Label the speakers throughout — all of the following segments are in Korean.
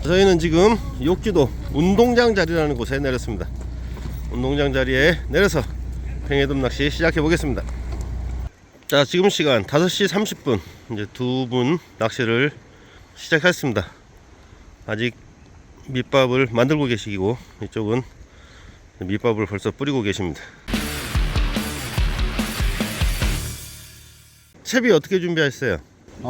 Speaker 1: 저희는 지금 욕지도 운동장 자리라는 곳에 내렸습니다. 운동장 자리에 내려서 팽이돔 낚시 시작해 보겠습니다. 자, 지금 시간 5시 30분 이제 두 분 낚시를 시작했습니다. 아직 밑밥을 만들고 계시고 이쪽은 밑밥을 벌써 뿌리고 계십니다. 채비 어떻게 준비하셨어요?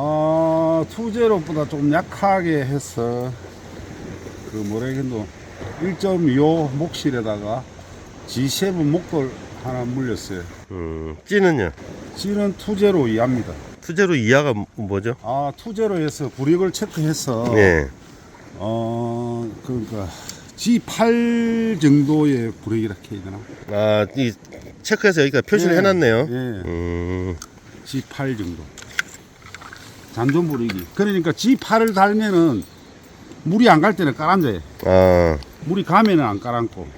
Speaker 2: 투제로보다 좀 약하게 해서 그 뭐래겠노 1.25 목실에다가 G7 목돌 하나 물렸어요.
Speaker 1: 찌는요?
Speaker 2: 찌는 투제로 이하입니다.
Speaker 1: 투제로 이하가 뭐죠?
Speaker 2: 투제로에서 구력을 체크해서
Speaker 1: 네.
Speaker 2: 그러니까 G8 정도의 구력이라 해야 되나?
Speaker 1: 이 체크해서 여기가 표시를 해놨네요.
Speaker 2: 예. G8 정도. 잔존 부리기. 그러니까 G8을 달면은 물이 안 갈 때는 깔아앉아요. 물이 가면은 안 깔아앉고.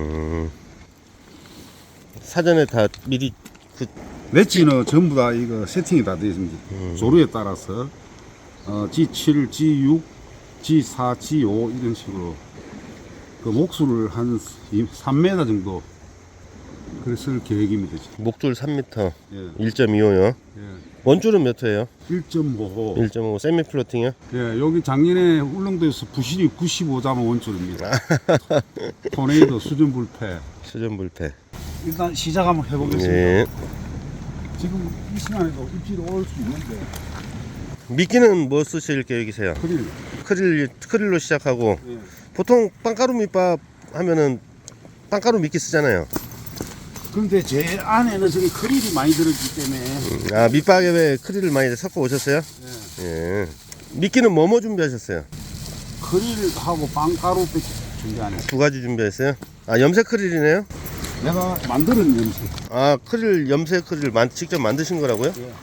Speaker 1: 사전에 다 미리
Speaker 2: 웨지는 전부 다 이거 세팅이 다 되어 있습니다. 조류에 따라서 G7, G6, G4, G5 이런 식으로 그 목수를 한 3m 정도 그랬을 계획입니다.
Speaker 1: 목줄 3m,
Speaker 2: 예.
Speaker 1: 1.25요.
Speaker 2: 예.
Speaker 1: 원줄은 몇 회예요?
Speaker 2: 1.5.
Speaker 1: 1.5 세미 플로팅이요?
Speaker 2: 예, 여기 작년에 울릉도에서 부실이 95자만 원줄입니다. 토네이도 수준 불패.
Speaker 1: 수전 불패.
Speaker 2: 일단 시작 한번 해보겠습니다.
Speaker 1: 예.
Speaker 2: 지금 이 시간에도 입질이 올 수 있는데.
Speaker 1: 미끼는 뭐 쓰실 계획이세요? 크릴로 시작하고.
Speaker 2: 예.
Speaker 1: 보통 빵가루 밑밥 하면은 빵가루 미끼 쓰잖아요.
Speaker 2: 근데 제 안에는 저기 크릴이 많이 들었기 때문에.
Speaker 1: 밑밥에 크릴을 많이 섞어 오셨어요?
Speaker 2: 예.
Speaker 1: 예. 미끼는 뭐 준비하셨어요?
Speaker 2: 크릴하고 빵가루밖에 준비 안 했어요.
Speaker 1: 두 가지 준비했어요? 염색 크릴이네요?
Speaker 2: 내가 만드는 염색.
Speaker 1: 크릴, 염색 크릴 직접 만드신 거라고요?
Speaker 2: 예.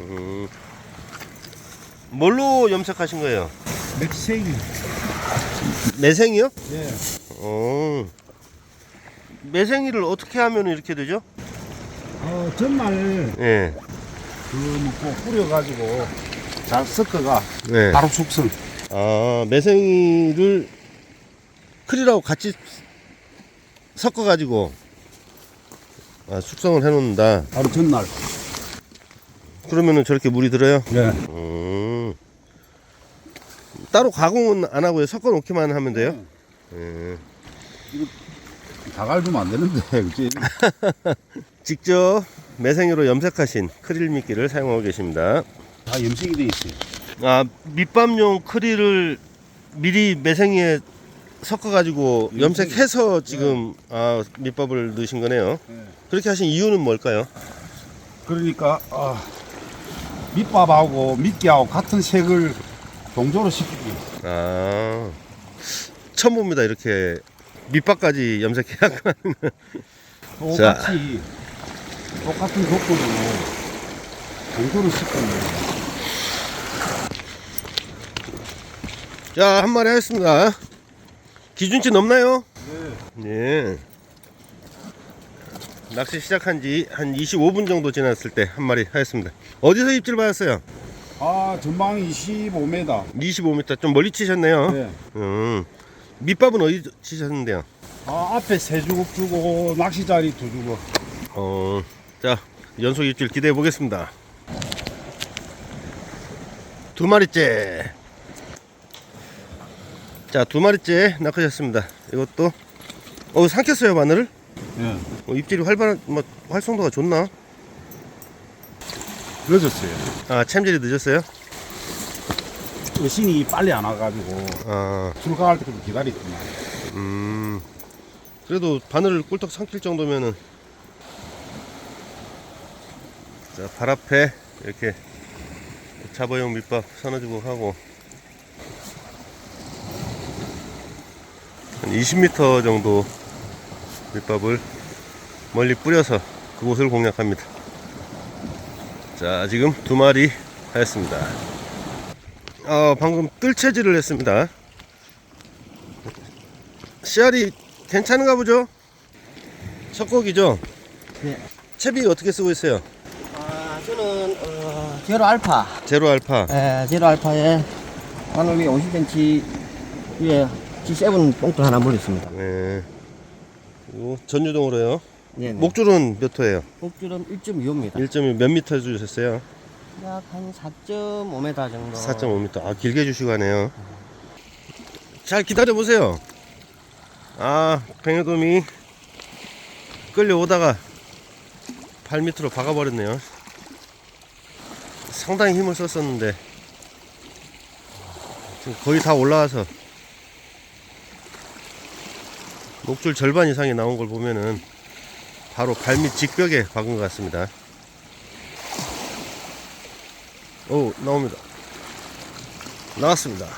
Speaker 1: 뭘로 염색하신 거예요?
Speaker 2: 맥생이.
Speaker 1: 매생이요?
Speaker 2: 예.
Speaker 1: 매생이를 어떻게 하면 이렇게 되죠?
Speaker 2: 전날
Speaker 1: 예.
Speaker 2: 꼭 뿌려가지고 잘 섞어가
Speaker 1: 네.
Speaker 2: 바로 숙성.
Speaker 1: 매생이를 크릴하고 같이 섞어가지고 숙성을 해놓는다.
Speaker 2: 바로 전날.
Speaker 1: 그러면은 저렇게 물이 들어요?
Speaker 2: 예.
Speaker 1: 따로 가공은 안 하고요. 섞어 놓기만 하면 돼요?
Speaker 2: 이거 다 갈주면 안 되는데, 그치?
Speaker 1: 직접 매생이로 염색하신 크릴 미끼를 사용하고 계십니다.
Speaker 2: 다 염색이 돼 있어요.
Speaker 1: 밑밥용 크릴을 미리 매생이에 섞어가지고 염색해서 지금 밑밥을 넣으신 거네요.
Speaker 2: 네.
Speaker 1: 그렇게 하신 이유는 뭘까요?
Speaker 2: 그러니까 밑밥하고 미끼하고 같은 색을 동조로 시키기.
Speaker 1: 처음 봅니다. 이렇게 밑밥까지 염색해야 하는 거.
Speaker 2: 똑같이 똑같은 조건으로 동조로 시키는.
Speaker 1: 자, 한 마리 하겠습니다. 기준치 넘나요?
Speaker 2: 네.
Speaker 1: 예. 낚시 시작한 지 한 25분 정도 지났을 때 한 마리 하였습니다. 어디서 입질 받았어요?
Speaker 2: 전방 25m.
Speaker 1: 25m. 좀 멀리 치셨네요.
Speaker 2: 네.
Speaker 1: 밑밥은 어디 치셨는데요?
Speaker 2: 앞에 세 주걱 주고 낚시 자리 두 주걱.
Speaker 1: 자, 연속 입질 기대해 보겠습니다. 두 마리째. 자, 두 마리째 낚으셨습니다. 이것도 삼켰어요, 바늘을?
Speaker 2: 예.
Speaker 1: 입질이 활성도가 좋나?
Speaker 2: 늦었어요.
Speaker 1: 챔질이 늦었어요?
Speaker 2: 신이 빨리 안 와가지고 출가할 때까지 기다렸구나.
Speaker 1: 그래도 바늘을 꿀떡 삼킬 정도면은. 자, 발 앞에 이렇게 잡어용 밑밥 서너주고 하고 한 20m 정도 밑밥을 멀리 뿌려서 그곳을 공략합니다. 자, 지금 두 마리 하였습니다. 방금 뜰채질을 했습니다. 씨알이 괜찮은가 보죠? 석고기죠?
Speaker 3: 네.
Speaker 1: 채비 어떻게 쓰고 있어요?
Speaker 3: 저는 제로 알파.
Speaker 1: 제로 알파.
Speaker 3: 제로 알파에 바늘이 50cm 위에 G7 뽕돌 하나 물렸습니다.
Speaker 1: 네. 그리고 전유동으로요.
Speaker 3: 네.
Speaker 1: 목줄은 몇 호예요?
Speaker 3: 목줄은 1.25입니다.
Speaker 1: 1.1 몇 미터 주셨어요?
Speaker 3: 약 한 4.5m 정도.
Speaker 1: 4.5m. 아, 길게 주시고 하네요. 잘 기다려 보세요. 아, 뱅에돔이 끌려오다가 발 밑으로 박아버렸네요. 상당히 힘을 썼었는데 지금 거의 다 올라와서 목줄 절반 이상이 나온 걸 보면은 바로 발밑 직벽에 박은 것 같습니다. 오, 나옵니다. 나왔습니다.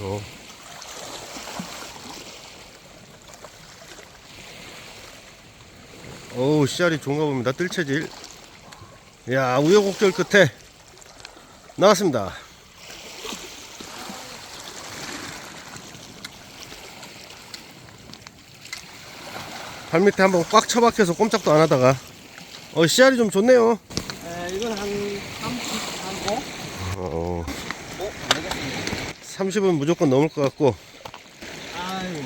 Speaker 1: 오, 씨알이 좋은가 봅니다. 뜰채질. 야, 우여곡절 끝에 나왔습니다. 발밑에 한번 꽉 처박혀서 꼼짝도 안 하다가 씨알이 좀 좋네요.
Speaker 3: 이건 한 35?
Speaker 1: 어,
Speaker 3: 안 되겠습니다.
Speaker 1: 30은 무조건 넘을 것 같고.
Speaker 3: 아유.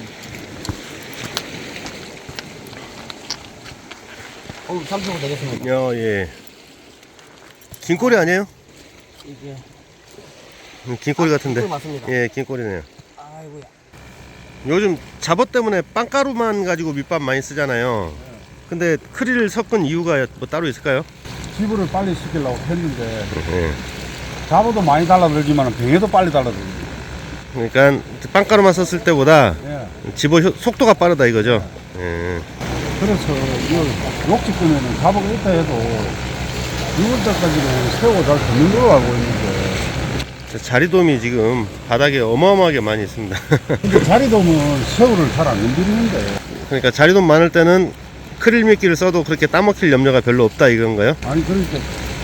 Speaker 3: 35 되겠습니다.
Speaker 1: 야, 예. 긴 꼬리 아니에요?
Speaker 3: 이게.
Speaker 1: 긴 꼬리 같은데.
Speaker 3: 꿀 맞습니다.
Speaker 1: 예, 긴 꼬리네요.
Speaker 3: 아이고야.
Speaker 1: 요즘 잡어 때문에 빵가루만 가지고 밑밥 많이 쓰잖아요. 근데 크릴을 섞은 이유가 뭐 따로 있을까요?
Speaker 2: 기부를 빨리 시키려고 했는데
Speaker 1: 예.
Speaker 2: 잡어도 많이 달라들지만 병에도 빨리 달라들지.
Speaker 1: 그러니까 빵가루만 썼을 때보다
Speaker 2: 예.
Speaker 1: 집어 속도가 빠르다 이거죠. 예.
Speaker 2: 그래서 이거 욕지 끄면은 잡어가 있다 해도 6월 때까지는 새우가 잘 듣는 걸로 알고 있는데,
Speaker 1: 자리돔이 지금 바닥에 어마어마하게 많이 있습니다.
Speaker 2: 근데 자리돔은 새우를 잘 안 건드리는데.
Speaker 1: 그러니까 자리돔 많을 때는 크릴 미끼를 써도 그렇게 따먹힐 염려가 별로 없다 이건가요?
Speaker 2: 아니 그러니까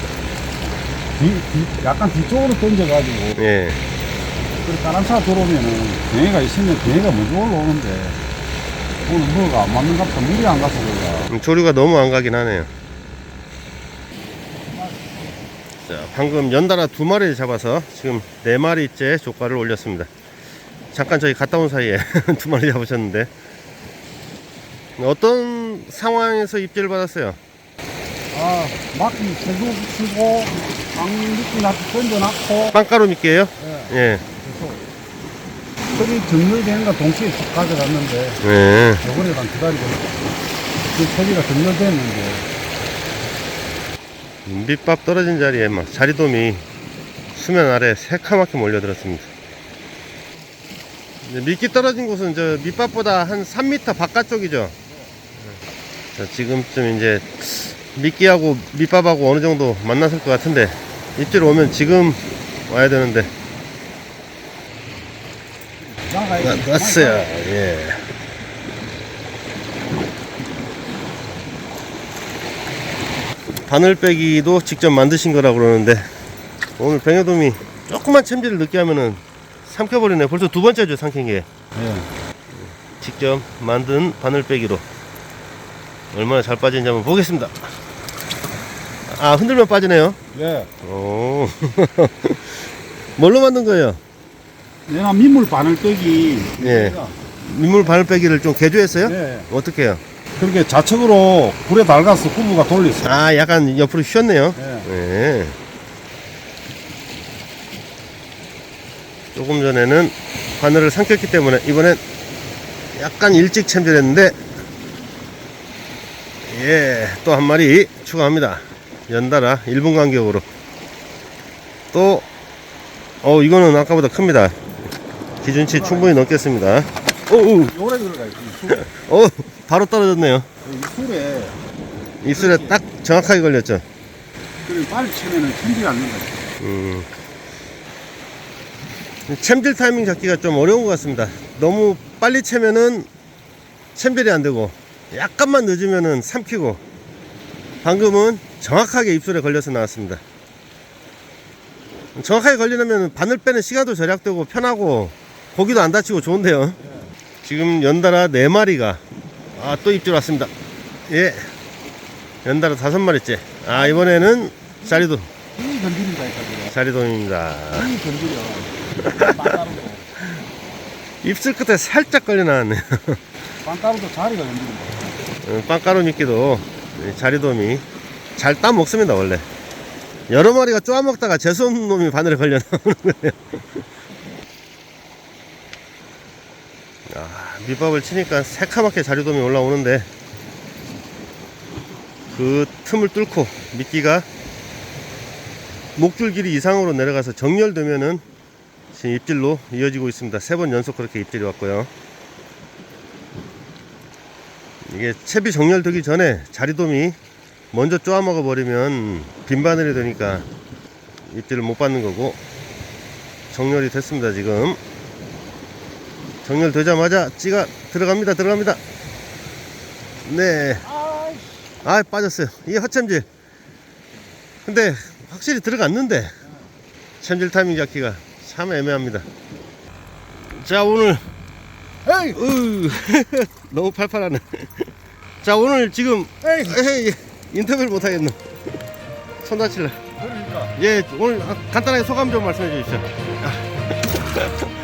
Speaker 2: 약간 뒤쪽으로 던져가지고
Speaker 1: 예.
Speaker 2: 그렇게 다른 차 들어오면은 병해가 있으면 병해가 먼저 올라오는데 오늘 뭐가 안 맞는 갑다 물이 안 가서 그런가.
Speaker 1: 조류가 너무 안 가긴 하네요. 자, 방금 연달아 2마리를 잡아서 지금 4마리째 조과를 올렸습니다. 잠깐 저희 갔다 온 사이에 2마리 잡으셨는데 어떤 상황에서 입질을 받았어요?
Speaker 2: 아, 막기 세고 치고 방미끼 던져놨고
Speaker 1: 빵가루 미끼예요?
Speaker 2: 예.
Speaker 1: 예.
Speaker 2: 소리 정렬되는 거 동시에 쭉 가져갔는데
Speaker 1: 예.
Speaker 2: 요번에 난 기다리고 그 소리가 정렬됐는데
Speaker 1: 밑밥 떨어진 자리에 막 자리돔이 수면 아래 새카맣게 몰려들었습니다. 이제 미끼 떨어진 곳은 저 밑밥보다 한 3m 바깥쪽이죠. 자, 지금쯤 이제 미끼하고 밑밥하고 어느 정도 만났을 것 같은데 입질 오면 지금 와야 되는데 났어요. 예. 바늘 빼기도 직접 만드신 거라고 그러는데 오늘 뱅에돔이 조금만 챔질을 늦게 하면은 삼켜버리네. 벌써 2번째죠 삼킨 게.
Speaker 2: 예.
Speaker 1: 직접 만든 바늘 빼기로 얼마나 잘 빠지는지 한번 보겠습니다. 아, 흔들면 빠지네요.
Speaker 2: 예.
Speaker 1: 오. 뭘로 만든 거예요?
Speaker 2: 내가 민물 바늘 빼기
Speaker 1: 예. 민물 바늘 빼기를 좀 개조했어요?
Speaker 2: 예.
Speaker 1: 어떻게 해요?
Speaker 2: 그렇게 좌측으로 불에 달가서 후부가 돌렸어요.
Speaker 1: 아, 약간 옆으로 휘었네요.
Speaker 2: 예.
Speaker 1: 네. 조금 전에는 바늘을 삼켰기 때문에 이번엔 약간 일찍 챔질했는데 예, 또 한 마리 추가합니다. 연달아 1분 간격으로 또 이거는 아까보다 큽니다. 기준치 충분히 넘겠습니다. 오우,
Speaker 2: 요래 들어가요. 이 술에.
Speaker 1: 바로 떨어졌네요.
Speaker 2: 이 술에
Speaker 1: 입술에 딱 정확하게 걸렸죠.
Speaker 2: 그리고 빨리 치면은 챔질이 안 된다.
Speaker 1: 챔질 타이밍 잡기가 좀 어려운 것 같습니다. 너무 빨리 채면은 챔질이 안 되고 약간만 늦으면은 삼키고 방금은 정확하게 입술에 걸려서 나왔습니다. 정확하게 걸리려면 바늘 빼는 시간도 절약되고 편하고 고기도 안 다치고 좋은데요. 지금 연달아 4마리가 또 입질 왔습니다. 예, 연달아 5마리째. 이번에는 자리돔.
Speaker 2: 이 건드린다니까.
Speaker 1: 자리돔입니다.
Speaker 2: 이 건드려.
Speaker 1: 입술 끝에 살짝 걸려 나왔네요.
Speaker 2: 빵가루도 자리가 힘듭니다.
Speaker 1: 빵가루 미끼도 자리돔이 잘 따먹습니다. 원래 여러 마리가 쪼아먹다가 재수없는 놈이 바늘에 걸려 나오는 거예요. 밑밥을 치니까 새카맣게 자리돔이 올라오는데 그 틈을 뚫고 미끼가 목줄 길이 이상으로 내려가서 정렬되면은 지금 입질로 이어지고 있습니다. 3번 연속 그렇게 입질이 왔고요. 이게 채비 정렬되기 전에 자리돔이 먼저 쪼아먹어 버리면 빈바늘이 되니까 입질을 못 받는 거고, 정렬이 됐습니다. 지금 정렬되자마자 찌가 들어갑니다. 네, 빠졌어요. 이게 헛챔질. 근데 확실히 들어갔는데 챔질 타이밍 잡기가 참 애매합니다. 자, 오늘 너무 팔팔하네. 자, 오늘 지금 인터뷰를 못하겠네. 손 다칠래.
Speaker 2: 그러니까
Speaker 1: 예, 오늘 간단하게 소감 좀 말씀해 주십시오.